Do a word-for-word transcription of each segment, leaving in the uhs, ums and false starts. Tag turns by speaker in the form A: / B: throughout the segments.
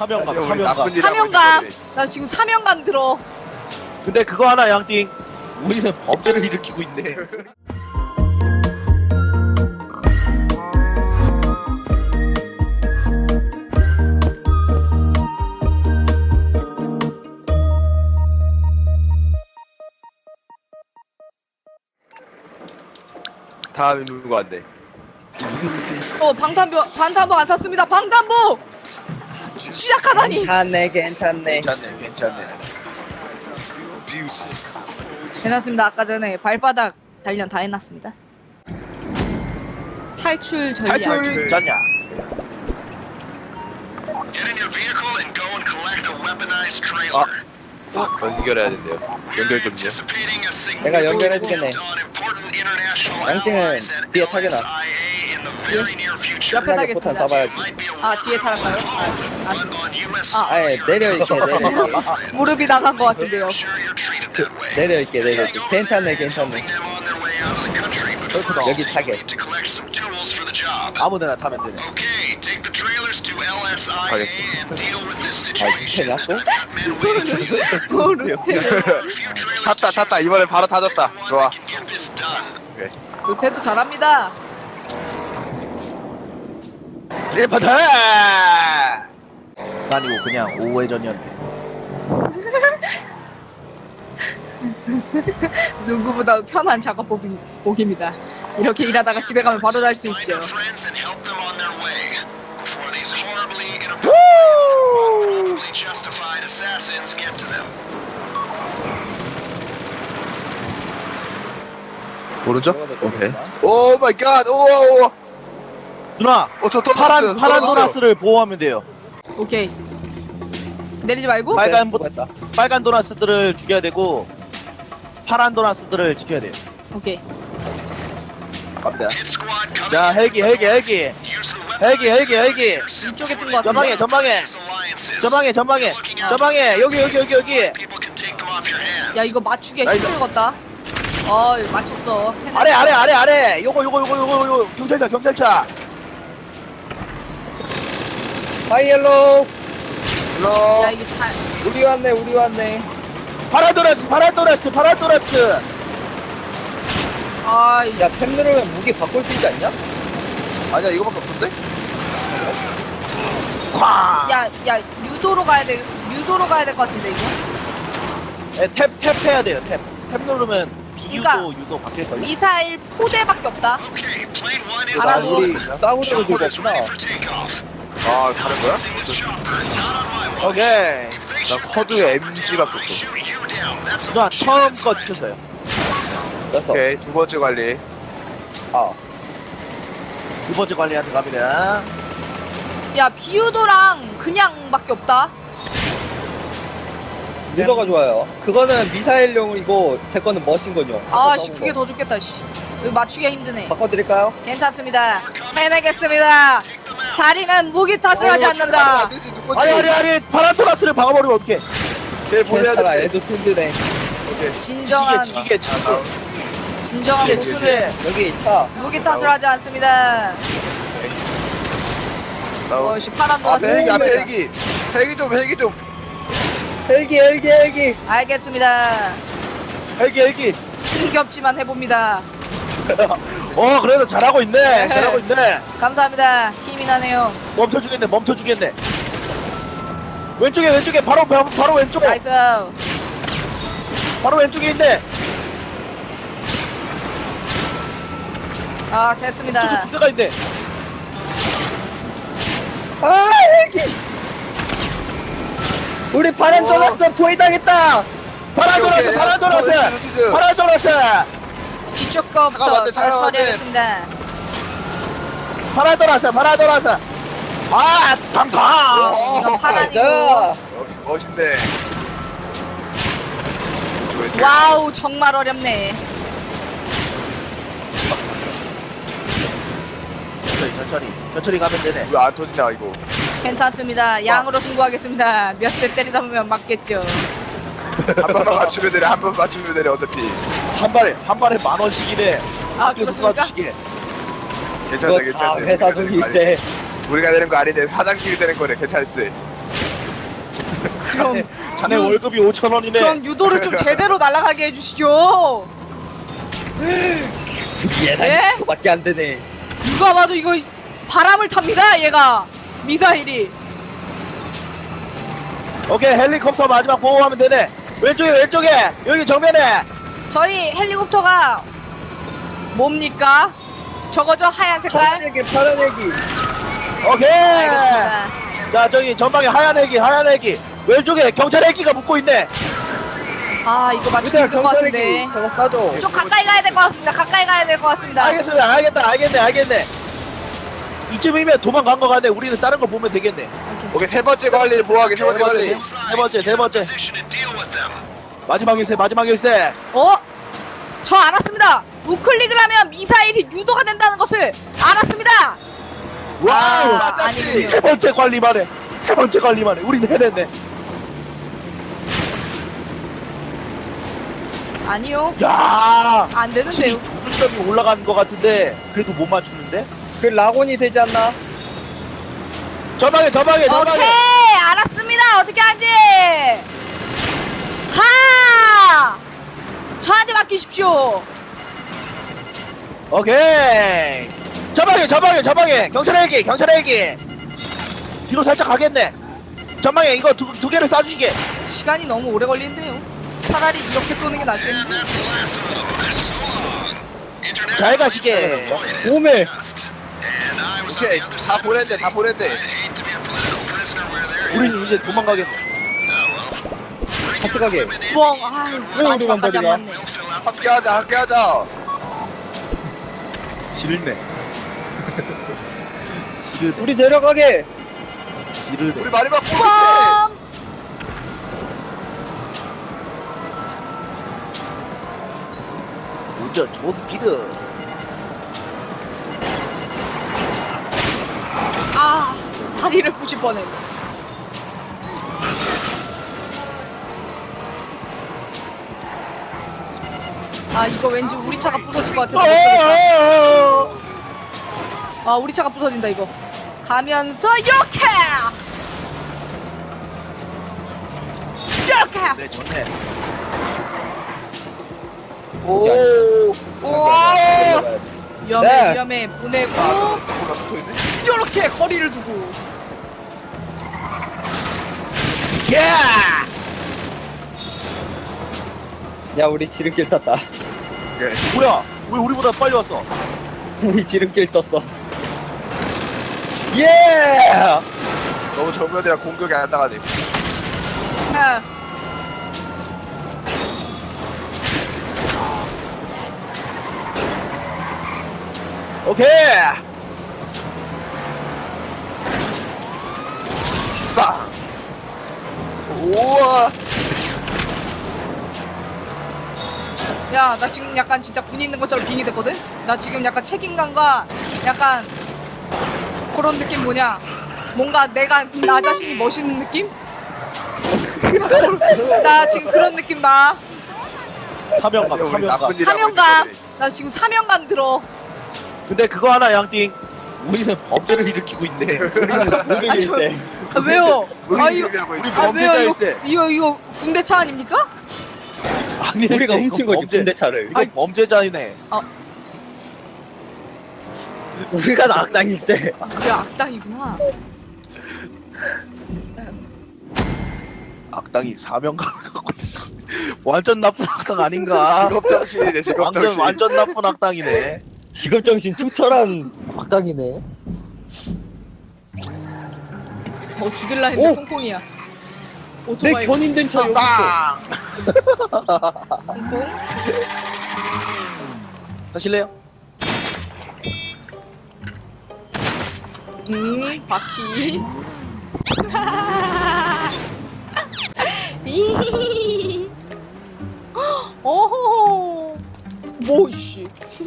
A: 사명감,
B: 우리
A: 사명감.
B: 나쁜 일 하고
C: 사명감.
B: 있는
C: 나 지금 사명감 들어.
A: 근데 그거 하나 양띵. 우리는 범죄를 일으키고 있네.
B: 다음에 누구한테?
C: 어 방탄보 방탄보 안 샀습니다. 방탄보 시작하다니.
D: 괜찮네 괜찮네.
A: 괜찮네, 괜찮네.
B: 뷰티.
C: 해놨습니다. 아까 전에 발바닥 단련 다 해놨습니다. 탈출 전략.
A: 탈출 전략.
E: Get in your vehicle and go and collect a weaponized trailer.
B: 아, 연결해야 된대요. 연결 좀요.
E: Anticipating a
D: 내가
E: significant
D: 연결해주겠네.
E: attempt on important international
D: 양띵은
E: allies and
D: 뒤에 타게나.
E: L S I A in the very near future.
C: 옆에
D: 신나게 포탄
C: 타겠습니다.
D: 쏴봐야지.
E: Might be a
C: 아 뒤에 탈까요?
E: but
C: 아,
E: on U S
C: 아.
D: 아예 내려 있게 내려 있게
C: 아 무릎이 나간 것 같은데요.
E: Make sure you're treated that way.
D: 내려 있게 내려 있게. 괜찮네 괜찮네.
E: Helping them on their way out of the country, but
A: 그렇구나.
E: first
D: 여기
E: you
D: 타게.
E: need to collect some tools for the job.
A: 아무데나 타면 되네.
E: Okay, take the trailers to L S I A and deal with this situation.
D: 아, 이렇게
E: Men waiting for you there.
C: 모르ቴ.
E: There are a few trailers
B: 탔다 탔다 이번에 바로 타졌다.
E: one
B: 좋아.
E: that can get this done.
B: 오케이.
C: 루테도 잘합니다.
A: 드리퍼드! 아니고 그냥 오회전이었네.
C: 누구보다 편한 작업복이- 복입니다. 이렇게 일하다가 집에 가면 바로 잘 수
E: Find
C: 있죠.
E: their friends and help them on their way before these horribly inappropriate, probably justified assassins get to them.
B: 오른쪽? 오케이. 오 마이 갓. 오오.
A: 누나,
B: 어저 또
A: 파란 파란 도나스를 보호하면 돼요.
C: 오케이. 내리지 말고.
A: 빨간 보,
D: 수고했다.
A: 빨간 도나스들을 죽여야 되고 파란 도나스들을 지켜야 돼요.
C: 오케이.
A: 갑니다.
E: Hit squad coming
A: 자,
E: in
A: 헬기,
E: from
A: 헬기,
E: the north.
A: 헬기.
E: Use the
A: 헬기, 헬기,
E: weaponized
A: 헬기.
E: trailers
C: 이쪽에 뜬
E: for
C: 것
A: 전방에,
C: 같은데.
A: 전방에,
E: these alliances.
A: 전방에, 전방에, 전방에. 여기, 여기, 여기, 여기.
E: People can take them off your hands.
C: 야 이거 맞추기
A: 나 이거-
C: 힘들겠다. 어 이거 맞췄어. 해냈어.
A: 아래, 아래, 아래, 아래. 요거, 요거, 요거, 요거, 요거. 경찰차, 경찰차.
D: 하이엘로.
C: 야 이게 잘.
D: 우리 왔네 우리 왔네.
A: 파란 도나스, 파란 도나스, 파란 도나스.
C: 아 이-
D: 야탭 누르면 무기 바꿀 수 있지 않냐?
B: 아니야 이거밖에 없던데?
A: 쾅.
C: 야, 야, 유도로 가야 돼. 유도로 가야 될 것 같은데, 이거?
A: 네, 탭, 탭 해야 돼요, 탭. 탭 누르면 비유도,
C: 그러니까
A: 유도 바뀔걸요?
C: 미사일 포대밖에 없다.
E: Okay, plane one is
C: 알아도-
E: on
D: 우리
E: board.
D: 싸우는
E: Chopper
D: 들고
E: is
D: 없구나.
E: ready for takeoff.
B: 아 다른 거야?
E: Using this chopper, not on my watch.
A: 오케이.
E: If they
B: 난
E: shoot that
B: 커드에
E: chopper
B: 엠지밖에
E: down, I
B: 없어.
E: shoot you down. That's a
A: 누나, 처음
E: legitimate
A: 거
E: threat.
A: 지켰어요.
D: 됐어.
B: 오케이 두 번째 관리.
D: 아
A: 두 번째 관리한테 갑니다.
C: 야, 비유도랑 그냥밖에 없다.
D: 유도가 좋아요. 그거는 미사일용이고 제 거는 머신건용.
C: 아, 씨, 그게 더 좋겠다, 씨. 이거 맞추기가 힘드네.
D: 바꿔드릴까요?
C: 괜찮습니다. 해내겠습니다. 다리는 무기 탓을 하지 않는다.
A: 아니, 아니, 아니, 파란 도나스를 박아버리면 어떡해.
B: 걔 보내야
D: 괜찮아
B: 돼.
D: 애도 튼튼해.
B: 오케이.
C: 진정한,
A: 이게, 이게, 지금.
C: 진정한
A: 이게
C: 고수는
D: 여기 차.
C: 무기 탓을 하지 않습니다.
B: 나오.
C: 어, 씨, 파란
B: 아
C: 도나
B: 헬기 앞에 헬기. 헬기 좀 헬기 좀.
D: 헬기 헬기 헬기.
C: 알겠습니다.
A: 헬기, 헬기.
C: 힘겹지만 해봅니다.
A: 어, 그래도 잘하고 있네. 잘하고 있네.
C: 감사합니다. 힘이 나네요.
A: 멈춰주겠네, 멈춰주겠네. 왼쪽에, 왼쪽에, 바로, 바로, 바로 왼쪽에.
C: 나이스.
A: 바로 왼쪽에 있네.
C: 아,
A: 저기
C: 됐습니다.
A: 두 개가 있네.
D: 아 헬기. 우리 파란
B: 어.
D: 떠났어 포위당했다.
A: 파란
B: 오케이,
A: 도나스,
B: 오케이.
A: 파란 도나스.
B: 어, 여기
A: 파란 도나스.
C: 뒤쪽 거부터
B: 잠깐만,
C: 저-
B: 잠깐만,
C: 처리하겠습니다.
A: 파란 도나스, 파란 도나스. 아, 탕탕.
C: 이건 파란이고.
D: 자
B: 역시 멋있네.
C: 와우, 정말 어렵네.
A: 천천히, 천천히. 천천히 가면 되네.
B: 왜 안 터지냐 이거.
C: 괜찮습니다. 양으로 승부하겠습니다. 몇 대 때리다 보면 맞겠죠.
B: 한 번만 맞추면 되네. 한 번 맞추면 되네 어차피.
A: 한 발에, 한 발에 만 원씩이네.
C: 아,
A: 학교에서
C: 그렇습니까?
A: 쏴주시게.
B: 괜찮다
D: 그거 다
B: 괜찮다.
D: 회사 돈일세.
B: 우리가 되는 거 아닌데 사장끼리 되는 거네. 괜찮았어.
C: 그럼
A: 자네
C: 유-
A: 월급이 오천 원이네.
C: 그럼 유도를 좀 제대로 날아가게 해주시죠.
D: 얘랑 그거밖에 안 되네.
C: 누가 봐도 이거 바람을 탑니다. 얘가 미사일이.
A: 오케이 헬리콥터 마지막 보호하면 되네. 왼쪽에 왼쪽에 여기 정면에.
C: 저희 헬리콥터가 뭡니까? 저거죠 하얀 색깔.
D: 파란 애기, 파란 애기.
A: 오케이.
C: 알겠습니다.
A: 자 저기 전방에 하얀 애기 하얀 애기 왼쪽에 경찰 애기가 붙고 있네.
C: 아 이거 맞추기
D: 얘들아,
C: 힘들 것
D: 경찰
C: 같은데.
D: 애기. 저거 싸줘.
C: 좀 가까이 가야 될 것 같습니다. 가까이 가야 될 것 같습니다.
A: 알겠습니다. 알겠다 알겠네 알겠네. 이쯤이면 도망간 거 같네. 우리는 다른 거 보면 되겠네.
B: 오케이 세 번째 관리를 보호하게 세 번째 관리.
A: 세 번째 세 번째
E: Position and deal with them.
A: 마지막 일세 마지막 일세.
C: 어? 저 알았습니다. 우클릭을 하면 미사일이 유도가 된다는 것을 알았습니다.
A: 와우.
C: 아, 아니군요.
A: 세 번째 관리만해. 세 번째 관리만해. 우린 해냈네.
C: 아니요.
A: 야.
C: 안 되는데요.
A: 조준점이 올라가는 것 같은데 그래도 못 맞추는데?
D: 그 라곤이 되지 않나?
A: 저방에 저방에 저방에.
C: 오케이 알았습니다. 어떻게 하지? 하! 저한테 맡기십시오.
A: 오케이. 저방에 저방에 저방에 경찰 헬기 경찰 헬기. 뒤로 살짝 가겠네. 전방에 이거 두, 두 개를 쏴주시게.
C: 시간이 너무 오래 걸리는데요. 차라리 이렇게 쏘는 게
E: And
C: 낫겠는데.
E: that's the last of them. So long. International
A: 잘 가시게.
D: 오메.
E: just. And I was on
B: 오케이
E: the other
B: 다
E: side of the
B: 보냈대
E: city.
B: 다 보냈대.
E: I'd hate to be a political prisoner where they're
A: 우린 이제 도망가겠네.
D: 같이 가게.
C: 뻥. 아유 마지막까지 안 맞네.
B: 함께하자 함께하자.
A: 지르네. 지르네.
D: 우리 내려가게.
A: 지르네.
B: 우리 마지막 포인트.
C: 뻥.
A: 운전 조스피드.
C: 아 다리를 부실 뻔했네. 아 이거 왠지 우리 차가 부서질 것 같아서 못 쏘겠다. 아 우리 차가 부서진다 이거. 가면서 이렇게 이렇게.
A: 네 좋네.
B: 오. 오.
C: 위험해
D: 네.
C: 위험해 보내고
B: 뭐가 붙어있네?
C: 이렇게 거리를 두고.
A: 야!
D: 야, 우리 지름길 탔다.
B: 오케이.
A: 뭐야? 왜 우리보다 빨리 왔어?
D: 우리 지름길 썼어. 예!
B: 너무 정면이라 공격이 안 나가네.
C: 아,
A: 오케이.
B: 빵. 우와.
C: 야, 나 지금 약간 진짜 군인 있는 것처럼 빙이 됐거든? 나 지금 약간 책임감과 약간 그런 느낌 뭐냐? 뭔가 내가 나 자신이 멋있는 느낌? 나 지금 그런 느낌 나.
A: 사명감,
B: 우리
A: 사명감.
B: 나쁜 일 하고
C: 사명감.
B: 있는데.
C: 나 지금 사명감 들어.
A: 근데 그거 하나 양띵. 우리는 범죄를 일으키고 있네.
C: 아, 저, 아, 왜요?
B: 우리
C: 아, 이거,
B: 얘기하고 있네.
C: 아, 왜요? 이거,
A: 범죄자일세.
C: 이거, 이거 군대 차 아닙니까?
A: 아니,
D: 우리가 훔친 거지,
A: 범죄,
D: 군대차를.
A: 이거
C: 아이.
A: 범죄자이네.
D: 우리가 악당일세.
C: 그게 악당이구나.
A: 악당이 사명감을 갖고 있어. 완전 나쁜 악당 아닌가?
B: 직업정신이네
A: 완전
B: 직업정신.
A: 완전 나쁜 악당이네.
D: 직업정신 투철한 악당이네.
C: 어, 죽일라 했는데
D: 오!
C: 콩콩이야.
D: 내
C: 오토바이
D: 견인된 차 여기 있어.
A: 빵!
C: 콩콩.
A: 사실래요?
C: 음, 바퀴. 오호. 뭐, 씨.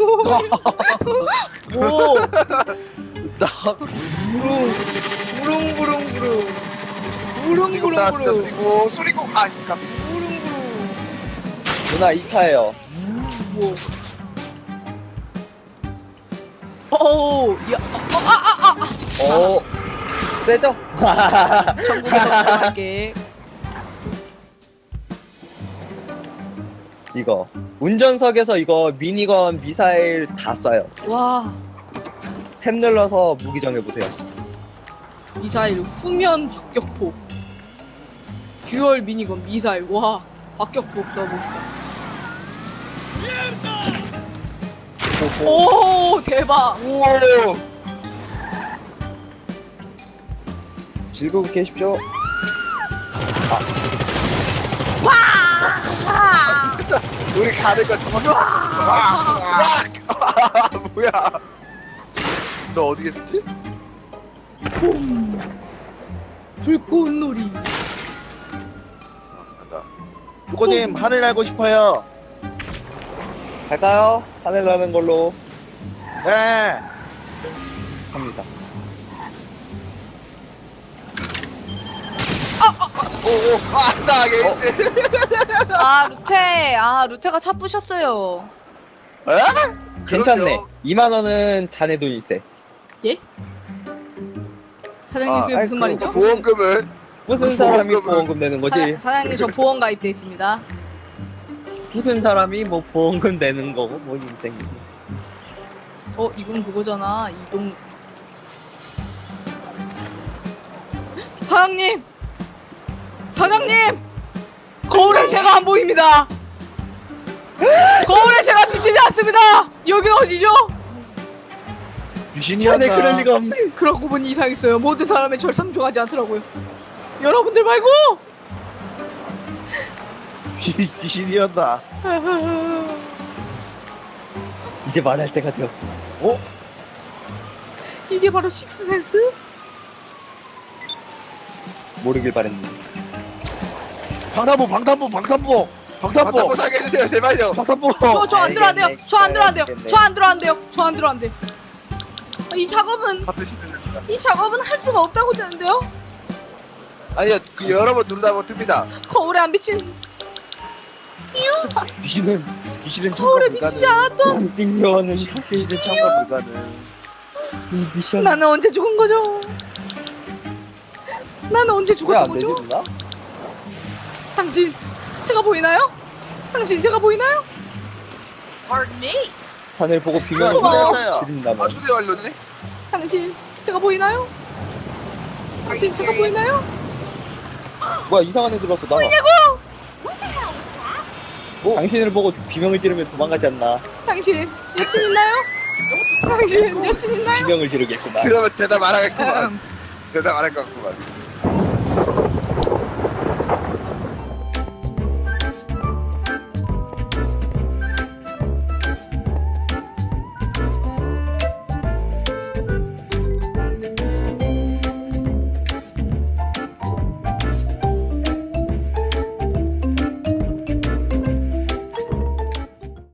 C: 뭐.
A: 나
C: 부릉. 부릉부릉부릉.
B: 수리공 나왔습니다.
C: 부릉부릉부릉.
B: 수리공 수리공. 아 깜.
C: 부릉부릉.
D: 누나 이 차예요.
C: 뭐. 어우, 야, 어, 아, 아, 아, 아.
D: 어, 세죠?
C: 전국에 덕분할게.
D: 이거 운전석에서 이거 미니건 미사일 다 쏴요.
C: 와
D: 탭 눌러서 무기 정해보세요.
C: 미사일 후면 박격포 듀얼 미니건 미사일 와 박격포 써보고 싶다. 오 대박.
B: 우와.
D: 즐거워 계십시오.
C: 와
B: 우리 가는 거 정확히. 와. 뭐야? 너 어디 계셨지?
C: 봄 불꽃놀이.
B: 간다.
A: 누구님 하늘 날고 싶어요.
D: 갈까요? 하늘 나는 걸로
A: 네.
D: 합니다.
B: 오오. 아, 나 게이트.
C: 아 루테 아 루테가 차 부셨어요.
B: 에?
D: 괜찮네.
B: 그럼요.
D: 이만 원은 자네 돈이 있어.
C: 예? 사장님
B: 아,
C: 그게 무슨
D: 아이고,
C: 말이죠?
B: 보험금은
D: 무슨 사람이
B: 보험금은-
D: 보험금 내는 거지?
C: 사, 사장님 저 보험 가입돼 있습니다.
D: 무슨 사람이 뭐 보험금 내는 거고 뭐 인생이.
C: 어 이건 그거잖아. 이동 사장님 사장님 거울에 제가 안 보입니다. 거울에 제가 비치지 않습니다. 여긴 어디죠?
A: 귀신이었나?
D: 자네 그럴 리가 없네.
C: 그러고 보니 이상했어요. 모든 사람의 절 상종하지 않더라고요. 여러분들 말고
A: 귀- 귀신이었나?
D: 이제 말할 때가 되었구나.
A: 어?
C: 이게 바로 식스센스?
D: 모르길 바랬는데.
A: 방탄복 방탄복 방탄복 방탄복
B: 맞다고 사게 해주세요 제발요.
A: 방탄복.
C: 저 저 안 들어안 돼요.
D: 알겠네.
C: 저 안 들어안 돼요.
D: 알겠네.
C: 저 안 들어안 돼요. 저 안 들어안 돼. 이 작업은
B: 다 드시면 됩니다.
C: 이 작업은 할 수가 없다고 되는데요.
B: 아니요, 그 여러 번 누르다 보면 뜹니다.
C: 거울에 안 비친 이유
A: 귀신은 귀신은
C: 거울에
A: 참가
C: 비치지
A: 불가능.
C: 않았던
D: 띵겨는
A: 귀신은 참가 불가능.
D: 이 미션
C: 나는 언제 죽은 거죠? 나는 언제
D: 왜안
C: 죽었던
D: 되지
C: 거죠?
D: 누나?
C: 당신 제가 보이나요? 당신 제가 보이나요?
D: 자네를 보고 비명을
C: 고마워.
D: 지른다면
B: 아, 초대 완료네?
C: 당신 제가 보이나요? 당신 제가 보이나요?
D: 뭐야 이상한 애 들었어 나.
C: 보이냐고!
D: 뭐? 당신을 보고 비명을 지르면 도망가지 않나.
C: 당신 여친 있나요? 당신 여친 있나요?
D: 비명을 지르겠구만.
B: 그러면 대답 안 하겠구만.
C: 음,
B: 대답 안 할 것 같구만.